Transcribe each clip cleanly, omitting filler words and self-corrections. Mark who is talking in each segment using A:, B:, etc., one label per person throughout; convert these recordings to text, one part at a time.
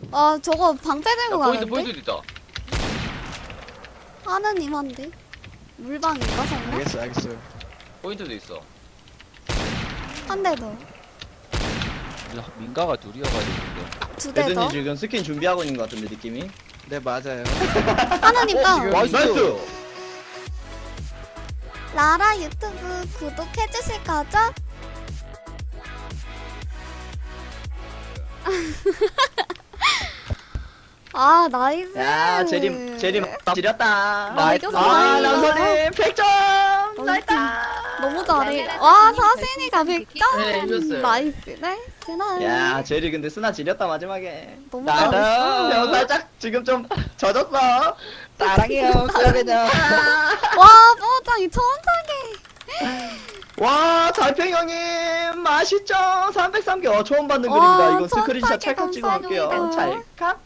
A: 아 저거 방패
B: 야,
A: 들고
B: 포인트
A: 가는데?
B: 있다.
A: 하느님한데? 물방인가 설마?
C: 알겠어요.
B: 포인트도 있어.
A: 한 대 더.
D: 민가가 둘이어가지고
A: 두 대 더.
E: 배드님 지금 스킨 준비하고 있는 것 같은데 느낌이.
C: 네, 맞아요.
A: 하느님 다운.
E: 나이스.
A: 라라 유튜브 구독해주실 거죠? 아 나이스.
E: 야 제리 지렸다.
A: 나이스.
E: 아 남선님 100점.
A: 너무
E: 나이다.
A: 너무 잘해. 와 사신이가 100점.
B: 네, 이겼어요.
A: 나이스 나이스 나이스.
E: 야 제리 근데 스나 지렸다 마지막에.
A: 너무
E: 나도
A: 잘했어.
E: 살짝 지금 좀 젖었어.
D: 사랑해요 수야배냐.
A: 와 뽀짱이 천사계.
E: 와 달팽이 형님 맛있죠. 303개 처음 받는
A: 와,
E: 글입니다. 이건
A: 천사께
E: 스크린샷 찰칵 찍어놓을게요.
A: 감사합니다.
E: 찰칵.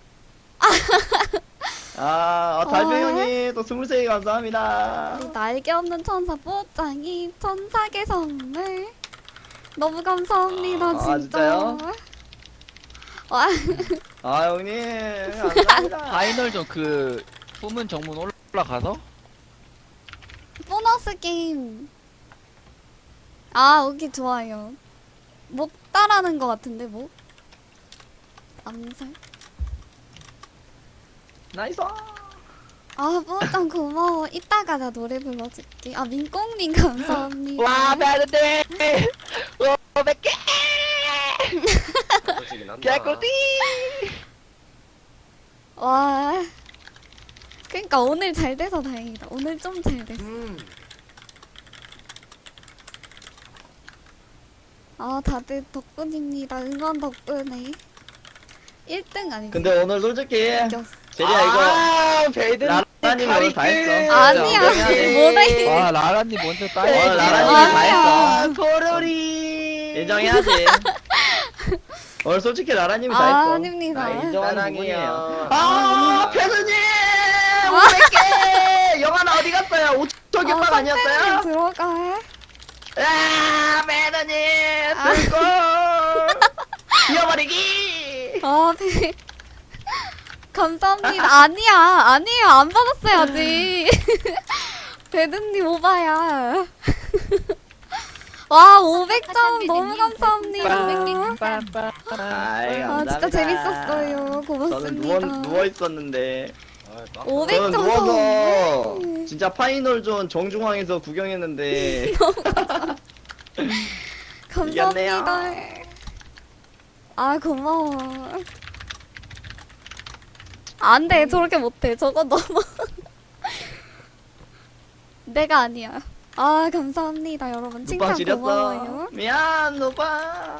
E: 달팽이
A: 와.
E: 형님 또 23개 감사합니다.
A: 우리 날개 없는 천사 뽀짱이 천사계 선물. 너무 감사합니다
E: 아,
A: 진짜.
E: 진짜요?
A: 와
E: 형님 감사합니다.
D: 파이널전 그 후문 정문 올라가서
A: 보너스 게임. 아 오기 좋아요. 목 따라하는 것 같은데 목. 암살.
E: 나이스.
A: 아 뽀짱 고마워. 이따가 나 노래 불러줄게. 아 민꽁님 감사합니다.
D: 와 배드님 500개
B: 그렇지긴 한다.
D: 개꿀띠.
A: 와. 그러니까 오늘 잘 돼서 다행이다. 오늘 좀 잘 됐어. 아 다들 덕분입니다. 응원 덕분에 1등 아니지?
E: 근데 오늘 솔직히
A: 이겼어.
E: 제리야 이거
D: 배드
E: 라라님 오늘 다 했어.
A: 아니야. 뭐래?
D: 와 라라님 먼저
E: 라라님이
D: 따야지.
E: 다
A: 아니야.
E: 했어. 포로리 인정해야지. 오늘 솔직히 라라님이 다 했어.
A: 아닙니다.
E: 인정하는 부분이에요.
B: 사랑해요.
E: 패스님 500개. 영화는 어디 갔어요? 5초 격방
A: 선배님
E: 아니었어요?
A: 들어가.
E: 매너님
A: 아.
E: 들고 이어버리기.
A: 아 감사합니다. 아니에요. 안 받았어야지. 배드님 오바야. 와 500점 너무 감사합니다.
E: 아이,
A: 아
E: 감사합니다.
A: 진짜 재밌었어요.
E: 저는
A: 고맙습니다.
E: 누워 있었는데.
B: 아, 빡.
A: 500
E: 저는
A: 점
E: 누워서
A: 선물.
E: 진짜 파이널존 정중앙에서 구경했는데
A: 감사합니다. 아 고마워. 안돼 저렇게 못해. 저거 너무 내가 아니야. 아 감사합니다 여러분.
E: 누빵
A: 칭찬
E: 지렸어.
A: 고마워요.
E: 미안 누빵.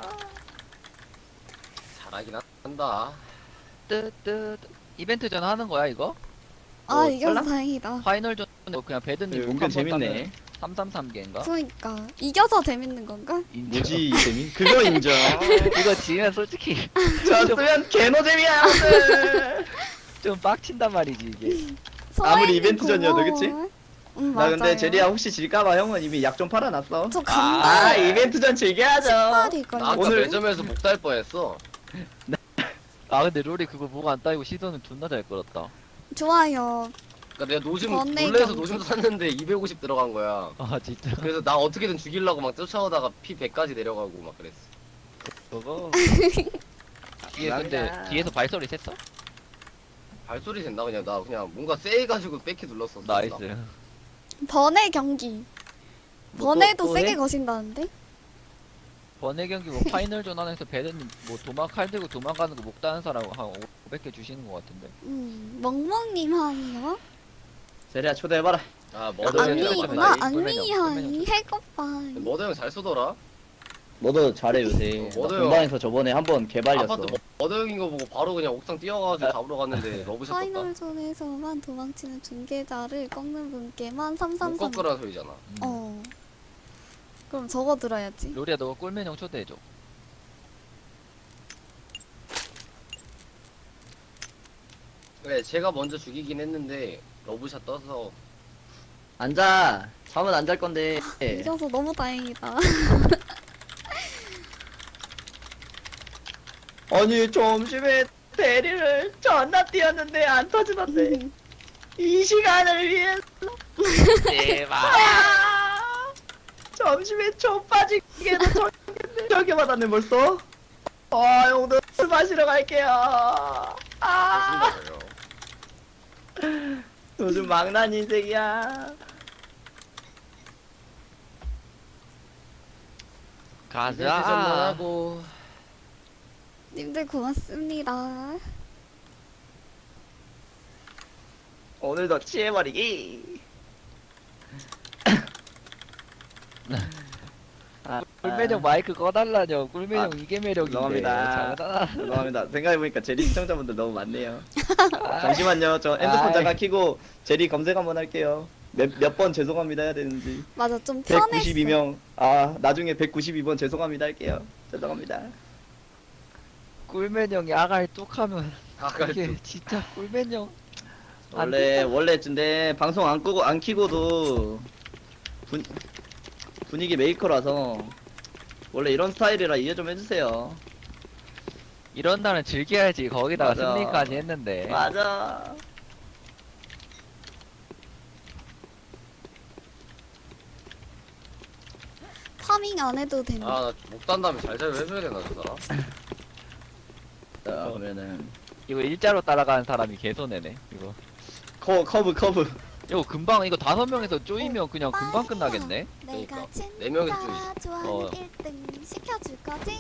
B: 잘하긴 한다.
D: 뜨뜨 이벤트 전 하는 거야 이거?
A: 아 이겨서
E: 몰라?
A: 다행이다.
D: 파이널전 그냥 배드님
E: 은근 재밌네.
D: 333개인가?
A: 그러니까 이겨서 재밌는 건가?
E: 뭐지 재미? 그거 인정.
D: 이거 지면 솔직히
E: 졌으면 개노잼이야 오늘.
D: 좀 빡친단 말이지 이게.
E: 아무리
A: 서해님
E: 이벤트전이어도
A: 고마워요.
E: 그치?
A: 응
E: 나
A: 맞아요.
E: 근데 제리야 혹시 질까봐 형은 이미 약 좀 팔아놨어.
A: 저 간다.
E: 아 이벤트전 즐겨야죠.
A: 신발이
B: 나
A: 걸려.
B: 아까
E: 오늘-
B: 매점에서 목 달 뻔했어.
D: 아 근데 롤이 그거 뭐가 안 따이고 시선은 존나 잘 끌었다.
A: 좋아요.
B: 그러니까 내가 노심
A: 번외
B: 놀래서
A: 경기.
B: 노심도 샀는데 250 들어간 거야.
D: 아 진짜
B: 그래서 나 어떻게든 죽이려고 막 쫓아오다가 피 100까지 내려가고 막 그랬어.
D: 그거 뒤에 근데
E: 감사합니다.
D: 뒤에서 발소리 셌어?
B: 발소리 된다 그냥 나 그냥 뭔가 세해가지고 백키 눌렀어.
D: 나이스.
A: 번외 경기.
E: 뭐
A: 번외도
E: 또
A: 세게
E: 해?
A: 거신다는데?
D: 번외 경기 뭐 파이널전 안에서 배드님 뭐 도망 칼 들고 도망가는 거 못 따는 사람 한 500개 주시는 거 같은데.
A: 멍멍님 하이요?
E: 제리야 초대해봐라.
B: 아
A: 아,
B: 머더 형이랑
A: 안미구나.
B: 만나기.
A: 안미 하이. 해고빠.
B: 머더 형 잘 쏘더라.
E: 너도 잘해 요새.
B: 너도요.
E: 공방에서 저번에 한번 개발렸어.
B: 아파트 머더 형인 거 보고 바로 그냥 옥상 뛰어가지고 잡으러 갔는데 러브샷 떴다.
A: 파이널존에서만 도망치는 중계자를 꺾는 분께만
B: 못
A: 333.
B: 꺾으라는 소리잖아.
A: 어. 그럼 저거 들어야지.
D: 로리야 너가 꿀맨 형 초대해줘.
B: 네, 제가 먼저 죽이긴 했는데 러브샷 떠서
E: 앉아. 잠은 안 잘 건데.
A: 이겨서 너무 다행이다.
E: 아니 점심에 대리를 존나 뛰었는데 안 터지던데. 이 시간을 위해서.
D: 제발.
E: 아, 점심에 초 빠지게도 저기 받았네 벌써. 아 형들 술 마시러 갈게요. 아
B: 좋습니다.
E: 요즘 망난 인생이야.
D: 가자.
B: 하고
A: 님들 고맙습니다.
E: 오늘도 취해버리기. 아,
D: 꿀매력 마이크 꺼달라뇨. 꿀매력 이게 매력인데.
E: 죄송합니다.
D: 장난아.
E: 죄송합니다. 생각해보니까 제리 시청자분들 너무 많네요. 잠시만요. 저 핸드폰
D: 아이.
E: 잠깐 켜고 제리 검색 한번 할게요. 몇 번 죄송합니다 해야 되는지.
A: 맞아, 좀 편했어.
E: 192명. 아 나중에 192번 죄송합니다 할게요. 죄송합니다.
D: 꿀매력이 아가리 뚝하면
B: 아가리
D: 이게
B: 뚝.
D: 진짜 꿀매력.
E: 원래 근데 방송 안 끄고 안 켜고도 분위기 메이커라서 원래 이런 스타일이라 이해 좀 해주세요.
D: 이런 날은 즐겨야지. 거기다가
E: 맞아.
D: 승리까지 했는데.
E: 맞아.
A: 파밍 안 해도 되네.
B: 아나목 단 다음에 잘잘 해줘야 되나 저 사람?
E: 자 그러면은
D: 이거 일자로 따라가는 사람이 개손해네. 이거.
E: 커브.
D: 이거 금방 이거 5명에서 쪼이면 그냥 금방 끝나겠네.
A: 내가 진짜
B: 네 명이서 좀
A: 좋아하는
D: 어.
A: 1등 시켜줄 거지?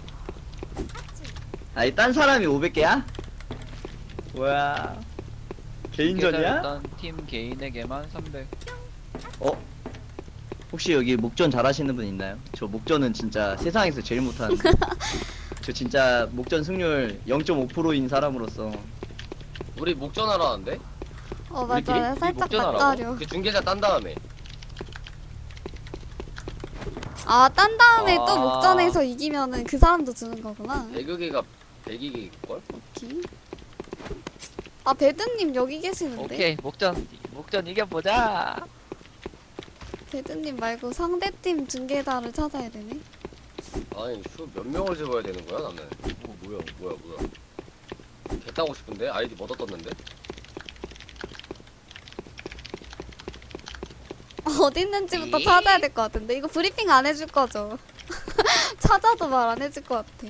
E: 아니 딴 사람이 500개야? 뭐야? 개인전이야?
D: 일단 팀 개인에게만 300.
E: 어? 혹시 여기 목전 잘하시는 분 있나요? 저 목전은 진짜 세상에서 제일 못하는데. 저 진짜 목전 승률 0.5%인 사람으로서
B: 우리 목전하러 하는데?
A: 어,
D: 우리끼리?
A: 맞아.
D: 우리
A: 살짝
D: 목전하라고?
A: 낯가려.
B: 그 중계자 딴 다음에
A: 아, 딴 다음에 또
D: 아.
A: 목전에서 이기면은 그 사람도 주는 거구나.
B: 배그기가 100기일걸?
A: 오케이. 아, 배드님 여기 계시는데?
D: 오케이 목전 이겨보자.
A: 배드님 말고 상대팀 중계자를 찾아야 되네.
B: 아니 몇 명을 집어야 되는 거야 나는? 뭐야 개 따고 싶은데? 아이디 못 얻었는데?
A: 어디 있는지부터 찾아야 될 것 같은데. 이거 브리핑 안 해줄 거죠? 찾아도 말 안 해줄 것 같아.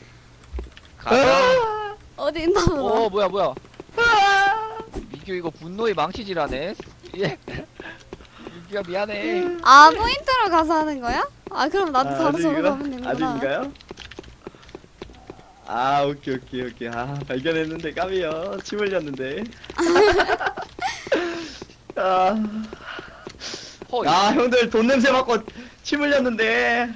D: 가자.
A: 어디 있나 보다.
D: 오 뭐야. 민규 이거 분노의 망치질하네. 예. 민규야 미안해.
A: 아, 포인트로 가서 하는 거야? 아, 그럼 나도 바로 저로 가면 되는구나.
E: 아직인가요? 아 오케이. 아 발견했는데 까비요. 침 흘렸는데. 아,
D: 허.
E: 야 형들 돈 냄새 맡고 침 흘렸는데.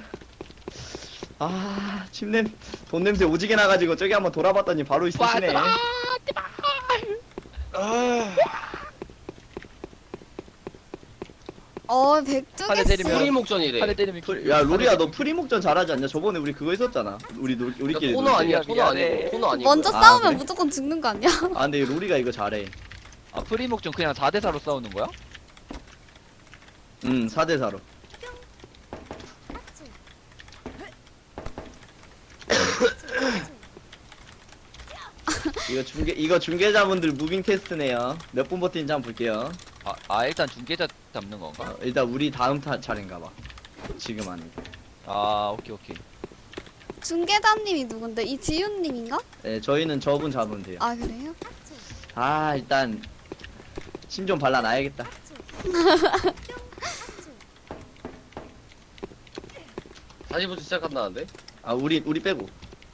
E: 아 돈 냄새 오지게 나가지고 저기 한번 돌아봤더니 바로 있으시네.
A: 백조개
D: 하늘 때리면-
B: 프리 목전이래.
D: 하늘 때리면
E: 야 로리야 너 프리목전 잘하지 않냐? 저번에 우리 그거 했었잖아. 우리끼리.
B: 코너 아니야
D: 놀 때.
B: 코너 아니고 코너 아니고
A: 먼저
E: 아,
A: 싸우면
E: 그래?
A: 무조건 죽는 거 아니야?
E: 아 근데 로리가 이거 잘해.
D: 아 프리목전 그냥 4대4로 싸우는 거야?
E: 4대4로. 이거 중계자분들 무빙 테스트네요. 몇 분 버티는지 한번 볼게요.
D: 일단 중계자 잡는 건가?
E: 일단 우리 다음 차례인가 봐. 지금 아니고.
D: 아 오케이.
A: 중계자님이 누군데? 이지윤님인가?
E: 네, 저희는 저분 잡으면 돼요.
A: 아, 그래요?
E: 아, 일단 침 좀 발라놔야겠다.
B: 40분 시작한다는데?
E: 아, 우리 빼고.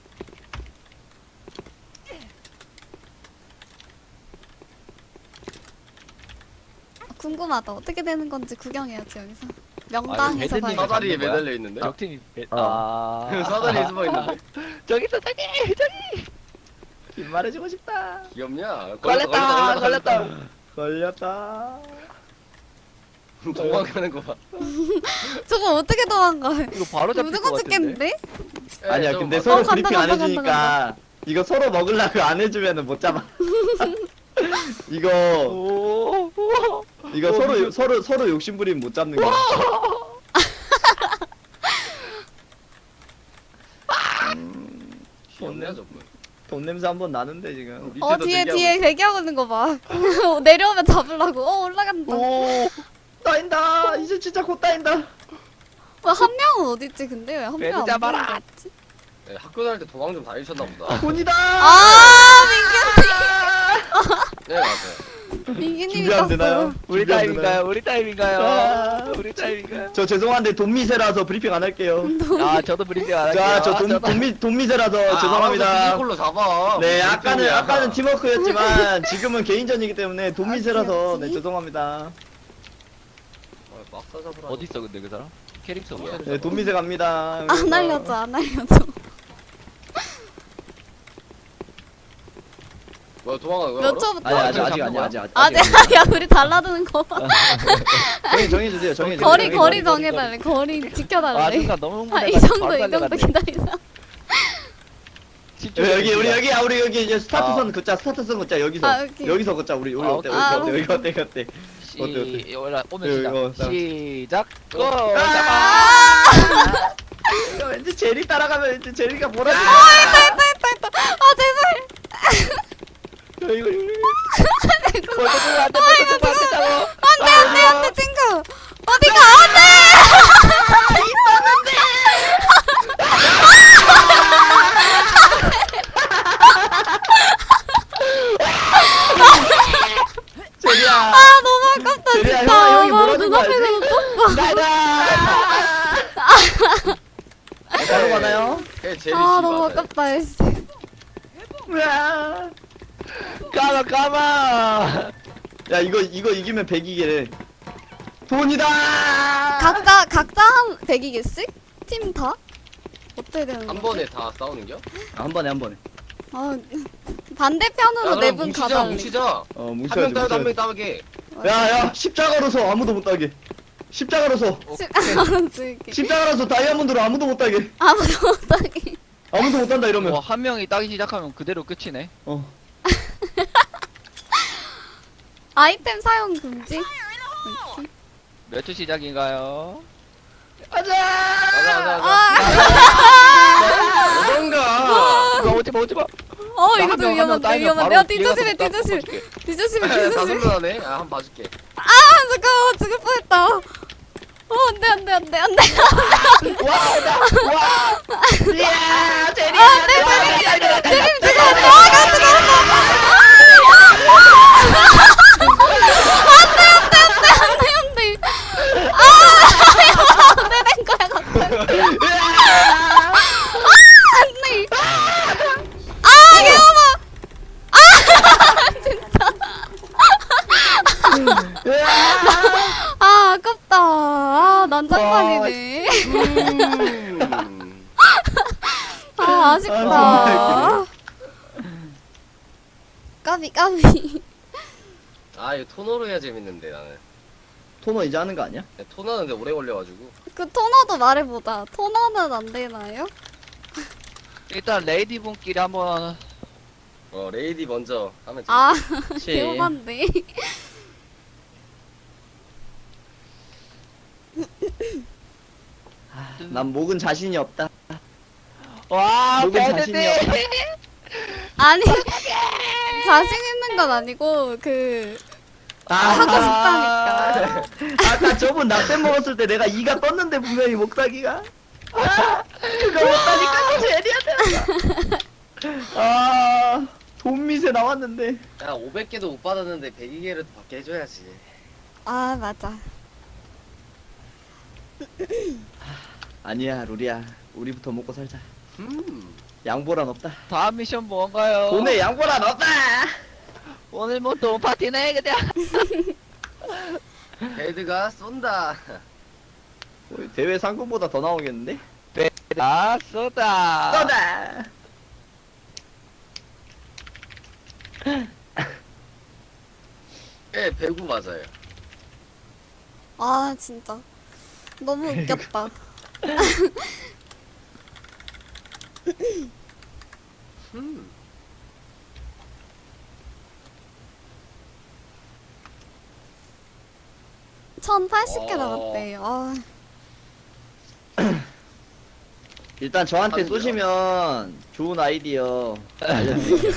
A: 궁금하다. 어떻게 되는 건지 구경해야지, 여기서.
D: 아,
A: 명당에서
D: 이거 배드님이
A: 봐야
B: 사다리에
D: 잡는 거야?
B: 매달려 있는데?
D: 적팀이
E: 어.
B: 사다리에 숨어 있는데?
D: 저기 있어 저기.
E: 긴 말해주고 싶다.
B: 귀엽냐?
E: 걸렸다.
B: 도망가는 거 봐.
A: 저거 어떻게 도망가?
D: 이거 바로 잡힐 것
A: 무조건
D: 같은데.
A: 죽겠는데?
E: 아니야,
B: 저
E: 근데
B: 막-
E: 서로
A: 간다,
E: 브리핑 안
A: 간다,
E: 해주니까 이거 서로 먹으려고 안 해주면은 못 잡아. 이거 서로 욕심 부리면 못 잡는 거야.
B: 귀엽냐 저분?
E: 돈 냄새 한 번 나는데 지금.
B: 밑에도
A: 뒤에
B: 대기하고
A: 뒤에
B: 있어.
A: 대기하고 있는 거 봐. 내려오면 잡으려고. 올라간다.
E: 오 따인다. 이제 진짜 곧 따인다.
A: 한 명은 어디 있지? 근데 왜 한
D: 배를
A: 명안
D: 잡아라.
A: 보이는 거지?
B: 네, 학교 다닐 때 도망 좀 다니셨나 보다.
E: 돈이다.
A: 아
B: 네 맞아요.
A: 민기님이
E: 준비 안 되나요?
A: 땄어요.
D: 우리
E: 준비 안
D: 타임인가요?
E: 되나요?
D: 우리 타임인가요?
E: 아,
D: 우리 타임인가요?
E: 저 죄송한데 돈미세라서 브리핑 안 할게요.
D: 아 저도 브리핑 안 할게요.
E: 자, 저
D: 저도-
E: 돈미세라서 죄송합니다.
B: 걸로 잡아.
E: 네,
B: 무슨
E: 아까는
B: 느낌이야.
E: 아까는 팀워크였지만 지금은 개인전이기 때문에 돈미세라서 네 죄송합니다.
B: 아, 막사 잡으라.
D: 어디 있어 근데 그 사람? 캐릭터 뭐야?
E: 네, 돈미세 갑니다.
A: 안 알려줘, 안 알려줘.
B: 뭐야 도망가 왜
A: 몇
B: 알아?
A: 초부터?
E: 아니 아직
D: 잡는
E: 아직
D: 거야?
E: 아직 아직.
A: 아직 야 우리 달라드는 거 봐.
E: 정해주세요. 정해주세요.
A: 거리
D: 거리,
A: 정해달래. 거리
D: 아
A: 지켜달래.
D: 순간 너무
A: 아,
D: 흥분해가지고
A: 이 정도
D: 바로
A: 이 정도
D: 달려갔네.
A: 기다리자.
D: 집중
E: 여기 우리
D: 중이야.
E: 여기 우리 여기 이제 스타트선 긋자 스타트선 긋자 여기서
A: 아, 오케이.
E: 여기서 긋자 우리
D: 아,
E: 어때
D: 오케이.
E: 여기 어때 여기 어때 어때?
D: 오면 시작.
E: 이거,
D: 시작. 고.
E: 아! 이거 왠지 제리 따라가면 왠지 제리가 뭐라
A: 아 제발.
E: 이거
D: 먼저 들어 안돼. 먼저 들어 안돼. 따고.
A: 안돼 친구. 어디가 안돼.
E: 제리야
A: 아 너무 아깝다
E: 제리야,
A: 진짜.
E: 형아, 형이
A: 바로
E: 뭐라는 거
A: 눈앞에서 놓쳤어.
E: 나다 바로 가나요?
B: 그게 제일
A: 아 너무 아깝다 씨.
E: 으아.
D: 까마 까마.
E: 야 이거 이기면 100이게 돈이다
A: 각자 한 100이겠지? 팀 다? 어떻게 되는
B: 한
A: 거지?
B: 번에 다 싸우는겨?
E: 한 번에
A: 아 반대편으로 네 분
B: 뭉치자
A: 가달래.
B: 뭉치자.
E: 어
B: 한 명 따도 한 명 따게.
E: 야야 십자가로서 아무도 못 따게 십자가로서 십자가로서 다이아몬드로 아무도 못 따게
A: 아무도 못하게.
E: 아무도 못 딴다 이러면
D: 한 명이 따기 시작하면 그대로 끝이네.
E: 어
A: 아이템 사용 금지?
D: 몇 초 시작인가요?
E: 가자
B: 가자
A: 아,
B: 어떤가.
D: 오지마 오지마.
A: 이거 좀 위험한데 위험한데. 야 뒤조심해 뒤조심해 뒤조심해
B: 다
A: 뒤조심해.
B: 손들하네. 아 한번 봐줄게.
A: 아 잠깐만 죽을 뻔했다. 안돼.
E: 이야 제리
A: 제림 지금 안돼. 안돼. 안돼 된 거야 갑자기. 안돼. 귀여워. 진짜. 아깝다. 난장판이네. 아쉽다. 까비.
B: 아 이거 토너로 해야 재밌는데 나는.
E: 토너 이제 하는 거 아니야?
B: 토너는 근데 오래 걸려가지고.
A: 그 토너도 말해보자. 토너는 안 되나요?
D: 일단 레이디 분끼리 한번
B: 레이디 먼저 하면 돼.
A: 아,
E: 그치.
A: 개호반데.
E: 난 목은 자신이 없다
D: 와
E: 목은 자신이 없다
A: 아니, 자신 있는 건 아니고, 하고 싶다니까.
E: 아까 저분 낙댐 먹었을 때 내가 이가 떴는데 분명히 목사기가 그거 못하니까 제리한테 돈미세 나왔는데
B: 야 500개도 못 받았는데 102개를 받게 해줘야지.
A: 아, 맞아.
E: 아니야 루리야 우리부터 먹고 살자
B: 음.
E: 양보란 없다
D: 다음 미션 뭔가요?
E: 돈에 양보란 없다
D: 오늘 뭐 또 파티네 그냥.
B: 헤드가 쏜다.
E: 대회 상금보다 더 나오겠는데?
D: 아 쏘다.
E: 쏘다
B: 예, 배구 맞아요.
A: 아, 진짜. 너무 웃겼다.
B: 음.
A: 1080개
B: 어.
A: 나왔대. 아,
E: 일단 저한테
B: 하는 거야?
E: 쏘시면 좋은 아이디어 알려드릴게요.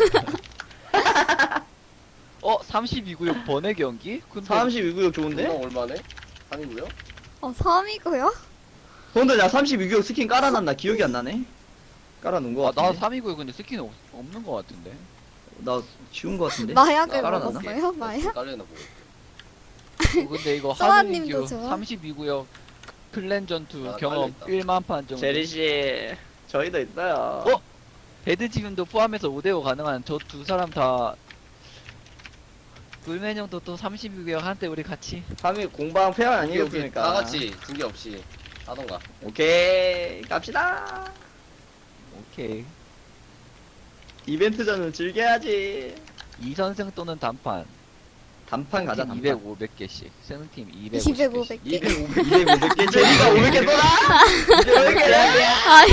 D: 32구역 번외 경기? 근데
E: 32구역 좋은데?
B: 운동 얼마네? 3이고요?
A: 3이고요?
E: 근데 나 32구역 스킨 깔아놨나 기억이 안 나네. 깔아놓은 거
D: 나
E: 같은데.
D: 3위구역 근데 스킨 없는 거 같은데.
E: 나 지운 거 같은데.
A: 마약을
E: 깔아놨나?
A: 먹었어요? 마약?
B: 깔려나 보고.
D: 근데 이거
A: 소아님도
D: 하늘인규
A: 좋아.
D: 32구역 클랜 전투
B: 아,
D: 경험
B: 깔려있다.
D: 1만 판 정도.
E: 제리 씨, 저희도 있어요.
D: 어? 배드 지금도 포함해서 5대5 가능한 저 두 사람 다 꿀맨 형도 또 32구역 한때 우리 같이
E: 3위 공방 페어
B: 오케이,
E: 아니겠습니까?
B: 다 같이 징계 없이 하던가.
E: 오케이 갑시다.
D: 오케이.
E: 이벤트전은 즐겨야지.
D: 2선승 또는 단판.
E: 단판 가자. 단판.
D: 200, 500개씩. 승팀 200,
A: 200,
D: 500개씩.
A: 500개.
E: 200개. 제리가 500개 쏘나? 500개.
A: 아니,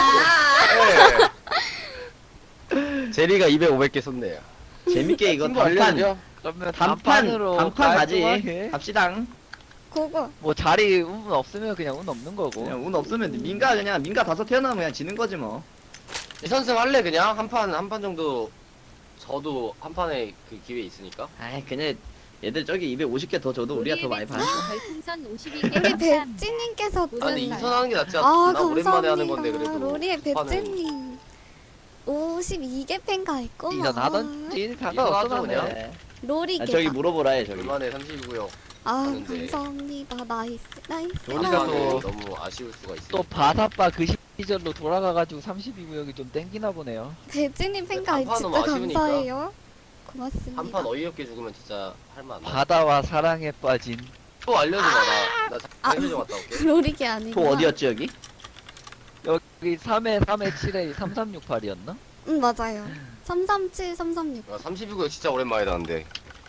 B: 제리가 200, 500개 썼네요.
E: 재밌게 이거
B: 친구
E: 단판.
B: 알려줘.
D: 그러면
E: 단판 가지.
D: 깔끔하게.
E: 갑시다.
A: 그거.
D: 뭐 자리 운 없으면 그냥 운 없는 거고.
E: 그냥 운 없으면 민가 그냥 민가 다섯 태어나면 그냥 지는 거지 뭐.
B: 이선승 할래 그냥 한 판 정도. 저도 한 판에 그 기회 있으니까.
E: 아이 그냥 얘들 저기 250개 더 줘도 우리가 더 많이 받아.
C: 별풍선 52개
A: 우리 배찌님께서
B: 아니
C: 네.
B: 이선 하는 게 낫지.
A: 아,
B: 나 오랜만에 하는 건데 그래도.
A: 로리의
B: 한 판은
A: 배찌님 52개 팬가 있구만.
D: 이선 하던지
B: 이선
D: 상관없어
B: 하죠, 그냥.
D: 네.
A: 로리
E: 아,
A: 개다.
E: 저기 물어보라 해 저기.
B: 오랜만에 32구요.
A: 아,
B: 하는데.
A: 감사합니다. 나이스. 나이스.
D: 로리가
A: 아,
D: 또-
B: 너무 아쉬울 수가 있어.
D: 또 바사빠 그 시절로 돌아가가지고 32구역이 좀 땡기나 보네요.
A: 배찌님 팬가
B: 한판
A: 진짜
B: 너무 아쉬우니까.
A: 감사해요. 고맙습니다.
B: 한 판 어이없게 죽으면 진짜 할만 안 나.
D: 바다와 사랑에 빠진
B: 또 알려줘 봐. 나
A: 아.
B: 잠깐 갔다 올게.
A: 로리게 아니고.
E: 또 어디였지 여기?
D: 여기 3회 3회 7회 3368이었나?
A: 응, 맞아요. 337, 336.
B: 야, 32구역 진짜 오랜만이다 근데.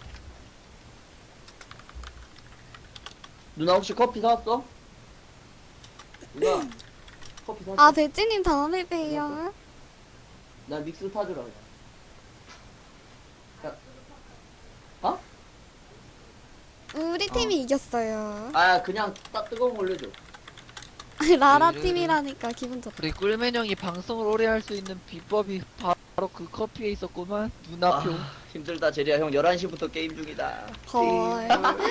E: 누나 혹시 커피 사왔어? 누나 커피 사왔어?
A: 아, 배찌님 다음에 봬요.
E: 나 믹스 타주라 그냥.
A: 우리 팀이 이겼어요.
E: 아 그냥 딱 뜨거운 거 올려줘.
A: 라라 팀이라니까 기분 좋다.
D: 우리 꿀맨 형이 방송을 오래 할 수 있는 비법이 바로 그 커피에 있었구만. 눈앞표.
E: 힘들다 제리야 형 11시부터 게임 중이다.
A: 헐.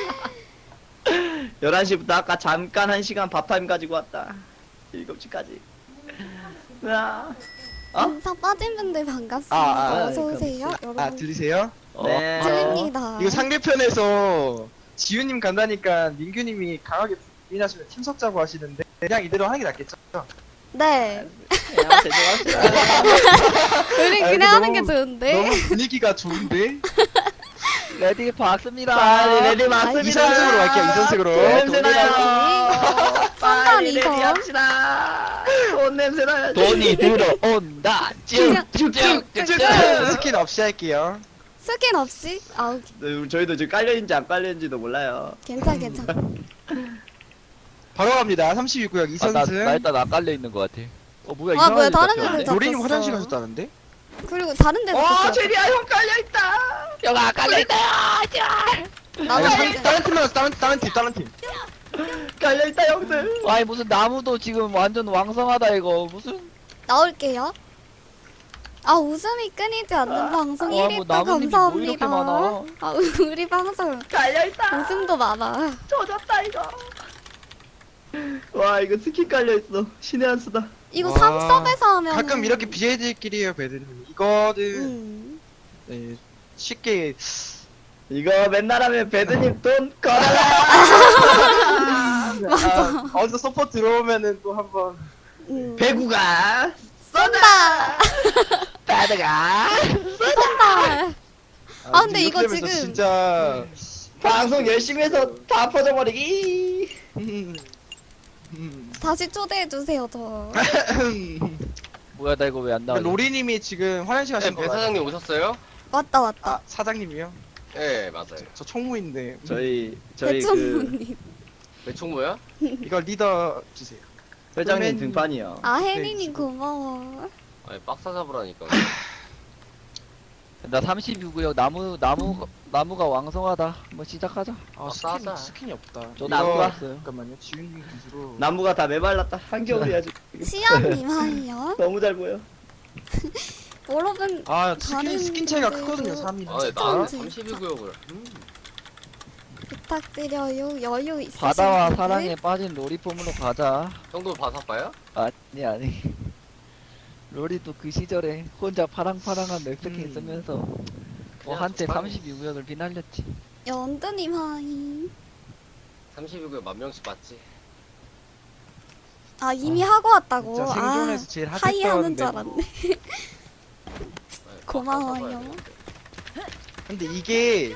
E: 11시부터 아까 잠깐 1시간 밥타임 가지고 왔다. 7시까지. 으아. 어?
A: 인사 빠진 분들 반갑습니다.
E: 아,
A: 어서 오세요, 여러분.
F: 아 들리세요?
E: 네.
A: 들립니다.
F: 이거 상대편에서 지우님 간다니까 민규님이 강하게 부인하시면 팀 섞자고 하시는데 그냥 이대로 하는 게 낫겠죠?
A: 네.
E: 그냥 죄송합니다.
A: 우리
F: 아,
A: 그냥 하는 게
F: 너무-
A: 좋은데.
F: 너무 분위기가 좋은데?
D: 레디 박습니다.
E: 빨리 레디 맞습니다.
F: 이선승으로 갈게요, 이선승으로.
E: 돈 냄새 나요.
A: 선반
E: 빨리 레디
A: 이선.
E: 합시다. 돈 냄새 나요.
D: 돈이 들어온다.
A: 그냥
D: 쭉쭉쭉쭉.
F: 스킨 없이 할게요.
A: 스킨 없이? 아우,
E: 네, 저희도 지금 깔려있는지 안 깔려있는지도 몰라요.
A: 괜찮아.
F: 바로 갑니다. 32구역
D: 나
F: 이선승.
D: 일단 안 깔려 있는 것 같아. 뭐야
A: 아,
D: 이상한
A: 뭐야,
D: 데
A: 다른
D: 잡혔는데?
A: 데를 잡-
F: 노리님
A: 잡혔어.
F: 화장실 가셨다는데?
A: 그리고 다른 데도
E: 와
A: 갔어요.
E: 제리야 형 깔려있다.
D: 형아 깔려있다.
A: 나도
F: 아니,
A: 다른 데.
F: 다른 팀 나왔어, 다른 팀.
E: 깔려있다 형들.
D: 아니 무슨 나무도 지금 완전 왕성하다 이거 무슨
A: 나올게요. 아, 웃음이 끊이지 않는 방송
D: 와,
A: 1위
D: 뭐
A: 또
D: 나무님이 뭐 이렇게
A: 감사합니다.
D: 많아.
A: 아, 우리 방송
E: 깔려있다.
A: 웃음도 많아.
E: 조졌다 이거. 와 이거 스킨 깔려있어. 신의 한 수다.
A: 이거
F: 와.
A: 3섭에서 하면
F: 가끔 이렇게 BJ들끼리 해요, 배드님. 이거는 네, 쉽게
E: 이거 맨날 하면 배드님 돈 걸어라.
F: 아, 어디서 서포트 들어오면은 또 한번
E: 배구가
A: 쏜다.
D: 따드가.
A: 쏜다. 아, 근데 이거
F: 이렇게 되면서
A: 지금-
F: 진짜
E: 방송 열심히 해서 다 퍼져버리기.
A: 다시 초대해 주세요, 저.
D: 뭐야 나 이거 왜 안 나와?
F: 로리님이 지금 화장실
B: 네,
F: 가신 거
B: 배
F: 맞아요?
B: 사장님 오셨어요?
A: 왔다, 왔다.
F: 아 사장님이요?
B: 네 맞아요.
F: 저 총무인데
E: 저희 그
A: 대충님.
B: 배총무야?
F: 이거 리더 주세요.
E: 회장님
F: 그러면-
E: 등판이요.
A: 아, 혜린이 고마워.
B: 아니 빡사 잡으라니까.
D: 나 32구역 나무가 왕성하다. 뭐 시작하자.
F: 아
B: 싸자.
F: 스킨이 없다.
D: 저도
E: 나무
F: 이거-
D: 왔어요.
F: 잠깐만요. 지훈님 기수로.
E: 나무가 다 메발랐다. 한겨울이야 지금.
A: 시연님 하이요.
E: 너무 잘 보여.
A: 여러분
F: 아
A: 다른
F: 스킨 차이가
A: 분들도
F: 크거든요. 3이.
B: 아 나는
A: 진짜.
B: 32구역을
A: 부탁드려요. 여유 있으신
D: 바다와
A: 분들?
D: 사랑에 빠진 로리폼으로 가자.
B: 형도 바사빠야?
D: 아니. 로리도 그 시절에 혼자 파랑파랑한 맵스킨 쓰면서 뭐
B: 그냥
D: 한때
B: 적당히.
D: 32구역을 비날렸지.
A: 연두님 하이.
B: 32구역 만 명씩 봤지.
A: 아 이미 하고 왔다고.
F: 진짜 생존에서 제일
A: 아, 하이 하는 줄
F: 핫했던
A: 알았네.
B: 아니,
A: 고마워요.
B: 바사 봐야 되는데.
F: 근데 이게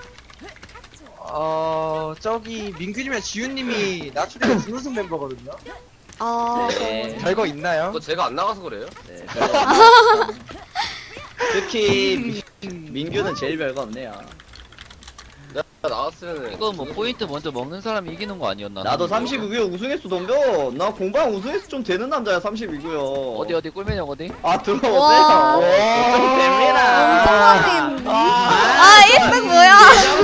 F: 저기 민규님이랑 지훈님이 나초리가 준우승 멤버거든요.
A: 아
E: 네.
F: 별거 있나요?
B: 그거 제가 안 나가서 그래요?
E: 네, 별거 없네. 특히 민규는 제일 별거 없네요.
B: 내가 나갔으면
D: 이거 뭐 포인트 먼저 먹는 사람이 이기는 거 아니었나?
E: 나도 32구역 우승했어 덤벼. 나 공방 우승했어 좀 되는 남자야 32구역.
D: 어디 꿀매력 어디?
E: 아
A: 와.
E: 들어오세요. 좀 됩니다.
A: 엄청 많이 했는데.
E: 아,
A: 아 1등 뭐야?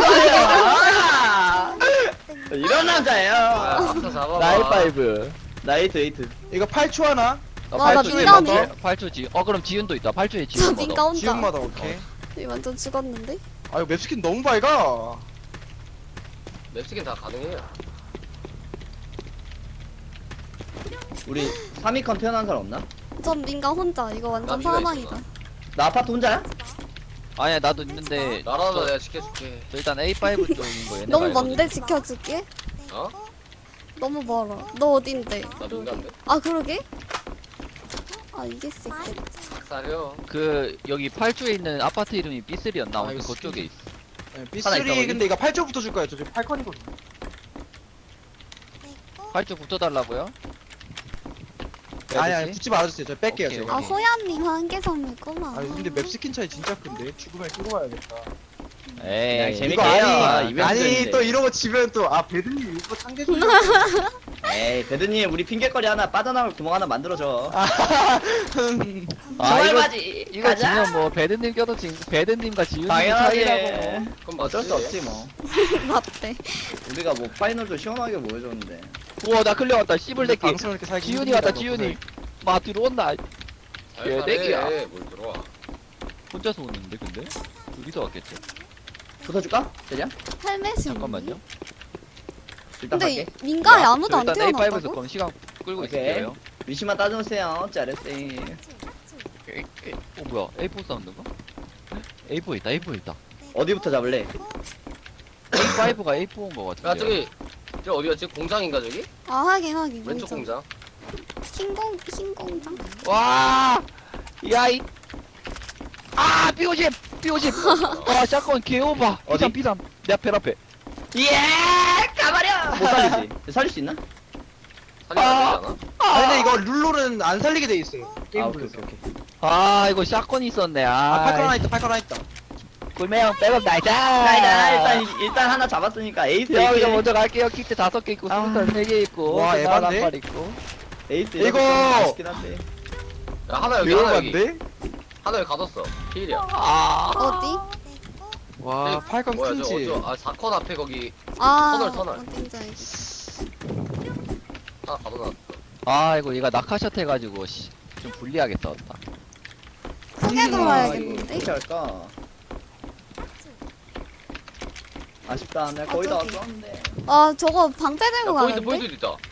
E: 아, 이런 남자예요.
B: 박사 잡아봐.
D: 나이파이브.
E: 나이트 에이트.
F: 이거 8초 하나?
A: 와, 나 민감해.
D: 8초 지. 그럼 지윤도 있다. 8초에
A: 저
D: 지윤
A: 민가 혼자.
F: 지훈마다 오케이.
A: 완전 죽었는데?
F: 아 이거 맵스킨 너무 밝아.
B: 맵스킨 다 가능해요.
E: 우리 3위컨 태어난 사람 없나?
A: 전 민가 혼자. 이거 완전
B: 나 민가
A: 사망이다.
B: 있어,
E: 나 아파트 혼자야?
D: 아니야 나도 있는데.
B: 나라도
D: 저-
B: 내가 지켜줄게.
D: 저 일단 A5 쪽인 거 얘네.
A: 너무 먼데 지켜줄게.
B: 어?
A: 너무 멀어. 너 어딘데?
B: 나 민간데?
A: 아 그러게? 아 이길 수 있겠다.
B: 사려.
D: 그 여기 8초에 있는 아파트 이름이 B3였나?
F: 아,
D: 아무튼
F: 이거
D: 그쪽에 있어.
F: 네,
E: 하나 있다,
F: B3
E: 거기?
F: 근데 이거 8초부터 줄 거예요. 저 지금 8컨이거든요.
D: 8초 붙어달라고요?
F: 아니 붙지 말아주세요. 저 뺄게요.
D: 오케이,
F: 제가.
A: 아
D: 오케이.
A: 호야님 한개 선물구만.
F: 아니 근데 맵스킨 차이 진짜 큰데 죽으면 쓰고 봐야겠다.
D: 에이.
E: 재밌게
F: 이거
E: 해요.
F: 아니
E: 이벤트인데.
F: 또 이러고 지면 또 아 배드님 일부러 상대 주려고.
E: 에이 배드님 우리 핑계거리 하나 빠져나올 구멍 하나 만들어줘.
D: 아
E: 정말
D: 이거
E: 맞지.
D: 이거 지면 뭐 배드님 껴도 배드님과 지윤님
E: 당연하지.
D: 차이라고.
B: 그럼
E: 어쩔 수
B: 맞지.
E: 없지 뭐.
A: 맞대.
E: 우리가 뭐 파이널도 시원하게 보여줬는데.
D: 우와 나 클리어 왔다. 씨불 새끼.
F: 방송을 이렇게 살기
D: 지윤이
F: 힘듭니다,
D: 왔다. 지윤이. 마 들어온다. 개새끼야.
B: 뭘 들어와.
D: 혼자서 오는데 근데? 둘이서 왔겠지.
E: 붙어줄까? 되냐?
A: 헬멧이
D: 잠깐만요.
E: 일단
A: 근데
E: 갈게.
A: 민가에 아무도 안
D: 일단 A5에서
A: 태어났다고?
D: 그럼 시간 끌고
E: 오케이.
D: 있을게요.
E: 위치만 따져주세요. 짜르쌤.
D: 뭐야? A4 사운드가? A4 있다. A4 있다.
E: 어디부터 잡을래?
D: A5가 A4인 거 같은데.
B: 야 저기 어디였지? 공장인가 저기?
A: 아 하긴
B: 왼쪽 공장.
A: 흰 공장?
D: 와! 야이. 아, B50. B50. 와, 샷건 개오바.
E: 어디?
D: 비삼. 내 앞에 앞에.
E: 예! 가버려! 못 살리지? 살릴 수 있나?
B: 살리면 안 되지 않아?
F: 아 근데 이거 룰로는 안 살리게 돼 있어요.
E: 아
F: 게임
E: 오케이
F: 룰에서.
E: 오케이 오케이.
D: 아, 이거 샷건이 있었네.
F: 아 8컨 하나
D: 아,
F: 있다. 8컨 하나 있다.
D: 꿀매형 백업 나이스.
E: 일단 하나 잡았으니까 에이스
D: 형, 이거
E: 에이스
D: 먼저 갈게요. 킥트 5개 있고,
E: 아.
D: 스무살 3개 있고.
F: 와,
D: 끝나간
F: 에반데?
D: 한발 있고.
E: 에이스
F: 이거!
E: 맛있긴 한데.
B: 야 하나 여기 하나 여기.
F: 매운간데?
B: 하나 여기 가뒀어. 필이야.
D: 아,
A: 어디?
F: 와 8컨
B: 뭐야
F: 큰지.
B: 아 4컷 앞에 거기
A: 아
B: 터널.
A: 어딘지 알겠어.
B: 하나 가둬놨어.
D: 아, 이거 얘가 낙하샷 해가지고, 씨. 좀 불리하게 싸웠다.
A: 크게 돌아야겠는데?
E: 어떻게 할까? 아쉽다. 내가 거의 다
A: 어쩌지?
E: 왔었는데.
A: 아 저거 방패
B: 야
A: 들고
B: 포인트
A: 가는데?
B: 포인트 있다.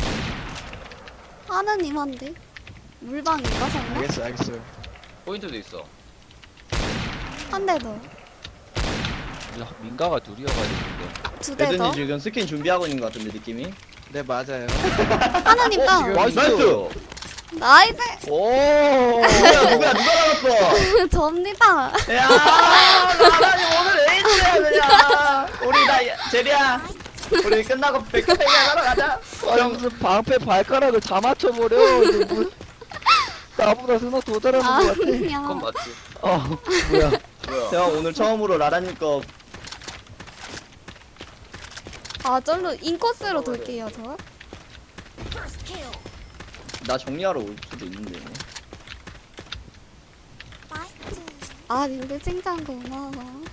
A: 하느님 한데? 물방인가 설마?
F: 알겠어요.
B: 포인트도 있어.
A: 한 대 더.
D: 야, 민가가 둘이어가지고.
A: 두 대 더.
E: 배드님 지금 스킨 준비하고 있는 것 같은데 느낌이.
F: 네 맞아요.
A: 하느님 다운.
E: 나이스.
A: 나이스.
D: 오!
E: 누가 나갔어?
A: 접니다.
E: 야, 나라니 오늘 에이스야 그냥. 우리 나 제리야. 우리 끝나고 백화페이 하러 가자.
D: 아니, 무슨 방패 발가락을 다 맞춰버려. 이거 뭐, 나보다 스노 더 잘하는 것 같아.
B: 그건
A: 아니야.
B: 맞지.
D: 뭐야.
B: 뭐야?
E: 형 오늘 처음으로 라라님 거
A: 아 절로 인코스로 돌게요 저.
E: 나 정리하러 올 수도 있는데.
A: 아 님들 칭찬 고마워.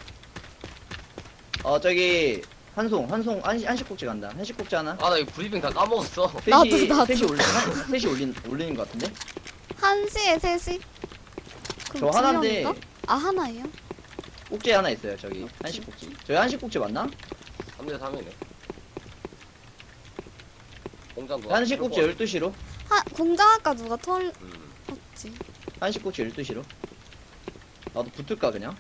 E: 저기 한식국지 간다. 한식국지 하나.
B: 아 나 이거 브리핑 다 까먹었어.
A: 나도.
E: 3시 올리는 것 같은데?
A: 1시에 3시?
E: 저 하나인데
A: 아 하나예요?
E: 꼭지 하나 있어요. 저기 한식국지. 저희 한식국지 맞나?
B: 3대 3이네. 공장 누가
E: 한식국지 12시로.
A: 공장 아까 누가 털었지?
E: 한식국지 12시로. 나도 붙을까 그냥?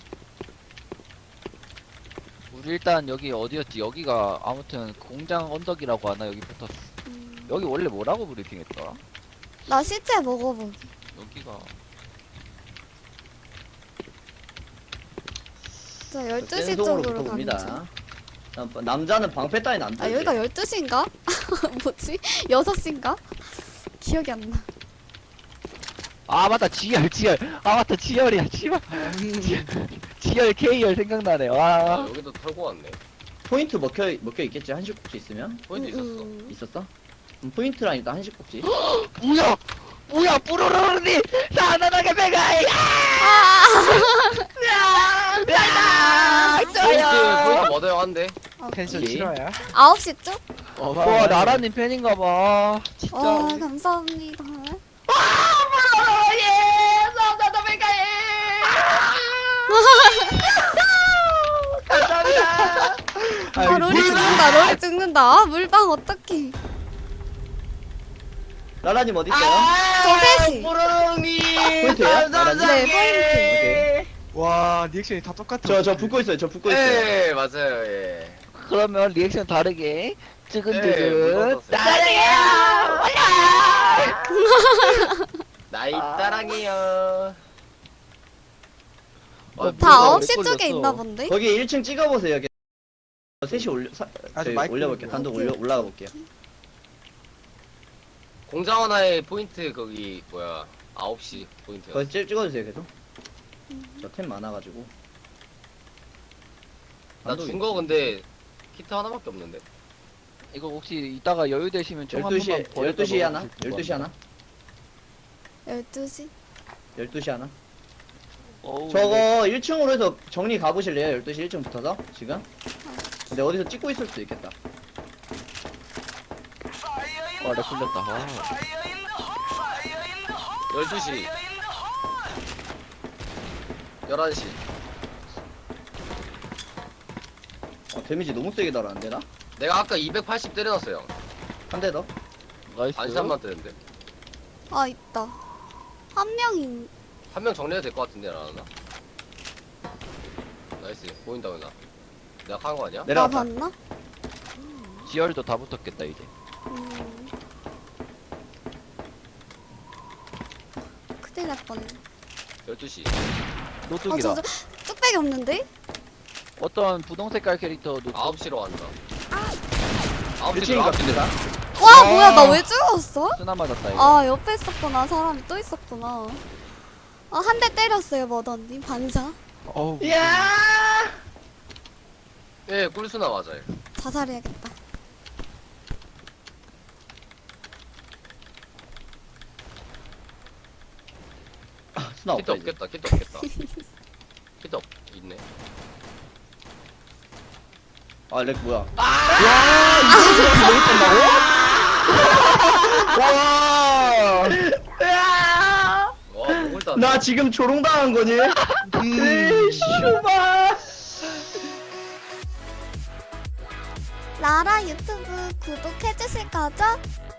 D: 우리 일단 여기 어디였지? 여기가 아무튼 공장 언덕이라고 하나 여기 붙었어. 여기 원래 뭐라고 브리핑했더라?
A: 나 시체 먹어보기.
D: 여기가
A: 저 12시
E: 센송으로
A: 쪽으로
E: 붙어봅니다.
A: 가는
E: 남자는 방패 따윈 안
A: 아
E: 들지.
A: 여기가 12시인가? 뭐지? 6시인가? 기억이 안 나.
D: 아 맞다 지열 아 맞다 지열이야 씨발 지열 K열 생각나네
B: 아,
D: 와
B: 여기도 털고 왔네.
E: 포인트 먹혀 있겠지. 한식국지 있으면.
B: 포인트 있었어.
E: 있었어? 그럼 포인트랑 일단 한식국지.
D: 뭐야 뿌로로니 사나나게 배가
B: 포인트 머더형한데.
F: 텐션
E: 오케이.
F: 싫어요.
A: 9시 쪽?
D: 와 나라님 팬인가봐 진짜
A: 감사합니다. 아 롤이 죽는다. 롤이 죽는다. 아, 물방 어떡해.
E: 라라님 어디 있어요?
A: 저 3시.
E: 포인트예요? 라라님?
A: 네 포인트.
E: 오케이.
F: 와 리액션이 다 똑같아.
E: 저 붙고 있어요. 저 붙고 있어요.
B: 예 맞아요 예.
D: 그러면 리액션 다르게
B: 예,
D: 뜨근뜨근
B: 묻어뒀어요. 나이 따랑이요.
A: 다
D: 왜
A: 9시 쪽에
D: 걸렸어?
A: 있나 본데?
E: 거기 1층 찍어보세요. 3시
F: 아주 마이크
E: 올려볼게요. 단독 올라가 볼게요.
B: 공장 하나에 포인트 거기 뭐야 9시 포인트야.
E: 거기 찍어주세요. 계속. 저 템 많아가지고.
B: 나 준 거 근데 키트 하나밖에 없는데.
D: 이거 혹시 이따가 여유 되시면 총 한 번만
E: 12시,
D: 버렸다
E: 12시 하나?
D: 먹어주실 것
E: 12시 하나?
A: 12시?
E: 12시 하나?
D: 어우,
E: 저거 1층으로 해서 정리 가보실래요? 12시 1층 붙어서? 지금? 근데 어디서 찍고 있을 수도 있겠다.
D: 와, 렉 걸렸다. 와.
B: 12시 11시.
E: 데미지 너무 세게 달았는데 나?
B: 내가 아까 280 때려놨어요.
E: 한 대 더?
D: 나이스.
B: 안샷만 때렸는데.
A: 아 있다. 한 명이
B: 한 명 정리해도 될 것 같은데 나나. 나이스 보인다 나. 내가 한 거 아니야?
A: 나
E: 내려갔다.
A: 봤나?
D: 지열도 다 붙었겠다, 이제.
A: 큰일 날 뻔해.
B: 12시.
D: 노뚝이다.
A: 저 뚝배기 없는데?
D: 어떤 분홍색깔 캐릭터 노뚝.
B: 9시로 간다. 9시
E: 1층인 것 같은데 나?
A: 와 뭐야 나 왜 죽었어?
D: 쓰나 맞았다, 이거.
A: 아 옆에 있었구나. 사람이 또 있었구나. 한 대 때렸어요 머더님 반사.
F: 어우.
E: 이야!
B: 예, 꿀수나 맞아요.
A: 자살해야겠다.
E: 스나
B: 키트
E: 없다 이제.
B: 없겠다. 키트 없겠다. 키트 있네.
E: 아, 렉 뭐야?
D: 와,
B: 와, 목을 다.
E: 나 지금 조롱당한 거니? 슈바!
A: 라라 유튜브 구독해주실 거죠?